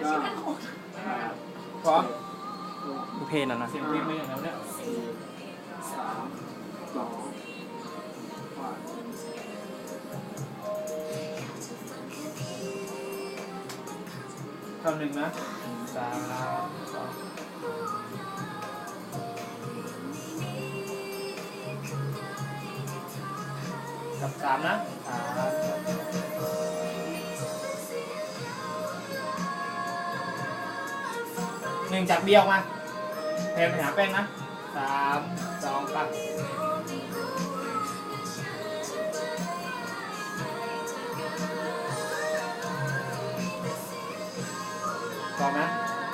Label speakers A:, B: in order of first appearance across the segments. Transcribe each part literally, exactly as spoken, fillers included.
A: ชื่อมันหก
B: พร้อม
C: ดูเพลงแล้วนะ
B: เสียงเพลงไม่อย่างนั้นเนี่ย
A: สี่สามสอง
B: คำหนึ่งนะสามสองกับสามนะสามหนึ่งจากเดียวมาแทนไปหาแป้งนะสามสองปักต่อนะ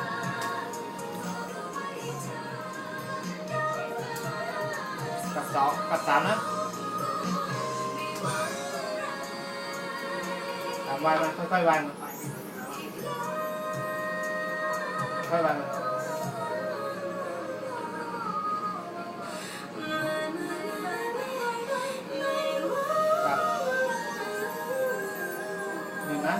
B: กับสองกับสามนะสามวายมันค่อยๆวายมันค่อยๆวายมันกับหนึ่งนะ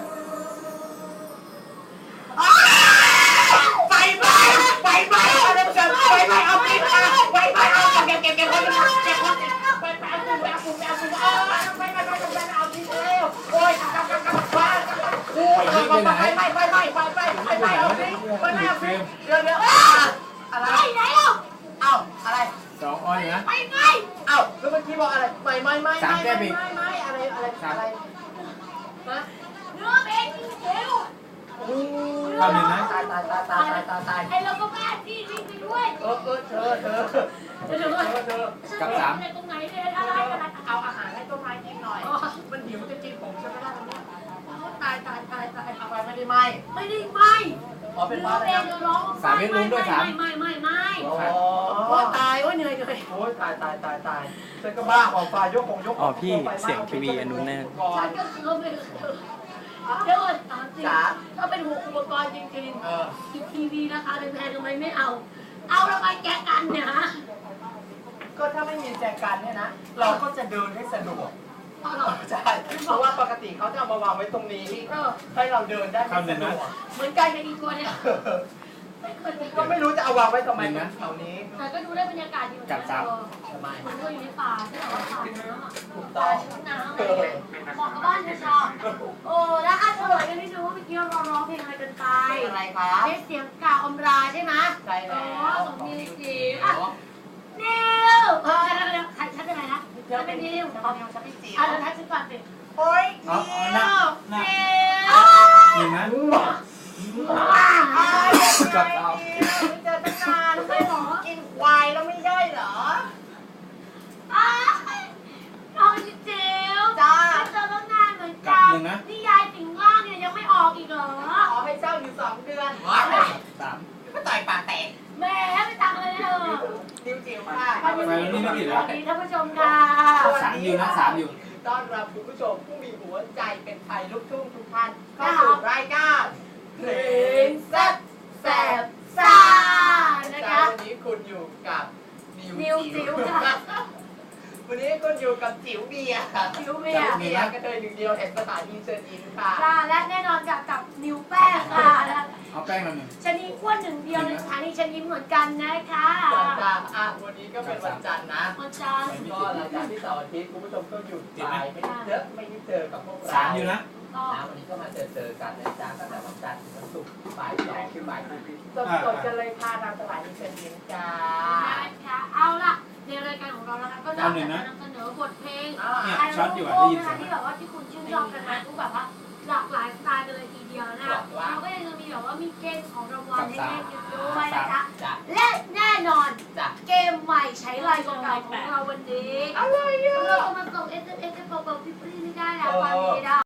D: ไฟไหม้ไฟไหม้เอาเดี๋ยวจะไฟไหม้เอาไปไฟไหม้เอาเก็บเก็บเก็บคนเก็บคนเก็บไฟไหม้เอาปุ่มเอาปุ่มเอาปุ่มเอาไฟไหม้ไฟไหม้เอาทิ้งเร็วโอ้ยกำกำกำไฟโอ้ยไฟไหม้ไฟไหม้ไฟไหม้ไฟไหม้ไฟไหม้เอาทิ้งไฟไหม้เอาทิ้งเดี๋ยวเดี๋ยวอะไรไหนอ่ะเอ้าอะไร
B: สองอ้อยนะ
D: ไฟไหม้เอ้าแล้วเมื่อกี้บอกอะไรไม่ไม่ไม่ไม่ไม่ไม่อะไรอะไรอะไรนะ
A: เนื้อเพลงเร็ว
B: คำหนึ่งนะ
D: ตายตายตายตายตายตาย
A: ไอเราก็บ้าที่วิ่งไปด้วย
D: เออเออเธอเธอเธอเธอเธอ
B: กับสาม
A: ตรงไหนเนี่ยอะไรอะไร
D: เอาอาหารให้ต้นไม้กินหน่อยมันหิวจะกินผมใช่ไหมล่ะ
A: ตายตายตายตาย
D: เอาไปไม่ได้ไหม
A: ไม่ได้ไหม
D: อ๋อเป็นบ้าอะไรนะ
A: ร้อง
B: สามเมตรลุ้นด้วยสาม
A: ไม่ไม่ไม่ไม่
D: โอ้
A: ตายโอ้ยเหนื่อยเหนื่อย
D: โอ้ยตายตายตายตายฉันก็บ้าของฟ้ายกของยก
C: อ๋อพี่เสียงทีวีอันนู้นแน่
A: ฉันก็ซื้อไปเดี๋ยวถามจริงถ้าเป็นหัวอุปกรณ์จริงๆอีทีวีราคาแพงๆทำไมไม่เอาเอาแล้วไปแกะกันเนี่ยฮะ
D: ก็ถ้าไม่มีแจกันเนี่ยนะเราก็จะเดินให้สะดวกใช่เพราะว่าปกติเขาจะเอามาวางไว้ตรงนี้ให้เราเดินได้ไม่สะดวก
A: เหมือนกันกับอีกตัวเนี่ย
D: ก็ไม่รู้จะเอาวางไว้ทำไมนะแถวนี้
A: แต่ก็ดูได้บรรยากาศอยู่
B: กับสาม
D: ทำไม
A: เหมือนเราอยู่ในป่าที่แบบว่าป่าน้ำอ่ะ
D: ป่า
A: น้ำเลยเหมาะกับบ้านชาวโอ้แล้วอ่ะเฉลยกันนิดนึงว่าเมื่อกี้เราร้องเพลงอะไรกันไป
D: อะไรคะ
A: เพลงเสียงกาอมราใช่ไหม
D: ใช่แล้ว
A: สมนิวจิ๋วนิวเออใครฉันเป็นอะไรนะฉันเป็นนิว
D: ฉันเป็นนิวฉันเป็นจิ๋ว
A: อ่ะแล้วทักฉันก่อนสิ
D: โอ้ยนิวนิว
B: หนึ่งนะ
D: ว้าวกับเราเจอตั้งนานไม่หรอกินควายแล้วไม่ได้เหรอ
A: อ้าวน้องจิ๋ว
D: จ้า
A: เจอตั้งนานเหมือนกันนี่ยายสิงล่างเนี่ยยังไม่ออกอีกเหรอ
D: ขอให้เจ้าอยู่สองเดือน
B: สาม
D: ก็ต่อยปากแตก
A: แม่ไม่ตังเลยเถอะ
D: จิ๋วจิ๋วค่ะ
B: ไปวันนี้ไม่ผิดแล้ว
A: สวัสดีท่านผู้ชมค่ะ
B: สามอยู่นะสามอยู่
D: ต้อนรับคุณผู้ชมผู้มีหัวใจเป็นไทยลูกทุ่งทุกท่านเข้าสู่รายการเพลงแซ่บแซ่บซ่านะคะวันนี้คุณอยู่กับ
A: นิวจิ๋วค่ะ
D: วันนี้คุณอยู่กับจิ๋วเบียร์
A: จิ๋วเบียร์
D: เบียร์ก็เลยหนึ่งเดียวแห่งสถานีเชิญยิ้มค่ะ
A: ค่ะและแน่นอนกับกับนิวแป้งค่ะ
B: เอาแป้งมาหนึ่ง
A: ชนีอ้วนหนึ่งเดียวในสถานีเชิญยิ้มเหมือนกันนะคะ
D: จ้าอ่ะวันนี้ก็เป็นวันจันทร์นะ
A: วันจันทร์
D: ก็หลังจากที่เสาร์อาทิตย์คุณผู้ชมก็หยุดไปไม่ได้เจอไม่ได้เจอกับพวกเรา
B: สามอยู่นะ
D: นะวันนี้ก็มาเจอเจอกันนะจ๊ะตั้งแต่วันจันทร์ถึงวันศุกร์บ่ายสองถึงบ่ายสี่สดๆกันเลยค่ะทางสถานีเชิญยิ้มจ้า
A: ค่ะเอาล่ะในรายการของเรานะคะก็จะนำเสนอบทเพลงไอโรโก้นะคะที่แบบว่าที่คุณชื่นชอบกันมาทุกแบบว่าหลากหลายสไตล์กันเลยทีเดียวนะคะเราก็ยังจะมีแบบว่ามีเกมของรางวัลให้เล่นอยู่ด้วยนะคะและแน่นอนเกมใหม่ใช้ลายเก่าๆของเราวันนี้เราก็มาส่ง เอส เอ็ม เอส ให้เป่าๆพี่ปรีไม่ได้แล้ววันนี้นะ